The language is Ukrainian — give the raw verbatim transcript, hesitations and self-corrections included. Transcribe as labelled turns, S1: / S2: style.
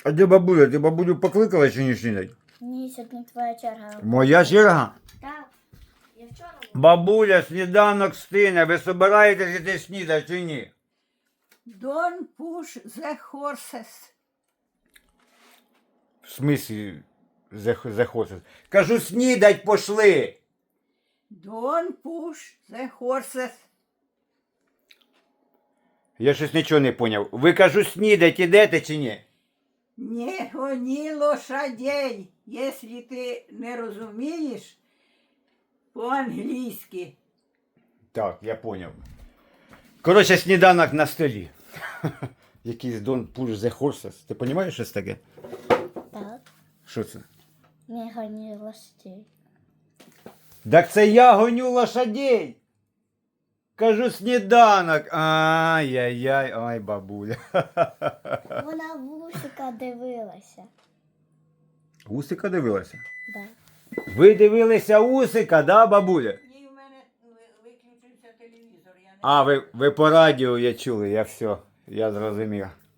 S1: А де бабуля? Ти бабулю покликала чи не снідать?
S2: Ні, сьогодні твоя черга.
S1: Моя черга?
S2: Так. Я вчора була.
S1: Бабуля, сніданок стине. Ви собираєтесь іти снідати чи ні?
S3: Don't push the horses.
S1: В смислі захочеш? Кажу, снідать пошли.
S3: Don't push the horses.
S1: Я щось нічого не поняв. Ви, кажу, снідать ідете чи ні?
S3: Не гони лошадей, якщо ти не розумієш по-англійськи.
S1: Так, я поняв. Коротше, сніданок на столі. Якийсь don't push the horses. Ти розумієш, що це таке?
S2: Так.
S1: Що це?
S2: Не гони лошадей.
S1: Так це я гоню лошадей. Кажу, сніданок. Ай-яй-яй, ай, бабуля.
S2: Вона в усика дивилася.
S1: Усика дивилася?
S2: Да.
S1: Ви дивилися Усика, да, бабуля?
S3: Ні, в мене виключився телевізор. Я не...
S1: А, ви, ви по радіо я чули, я все, я зрозумів.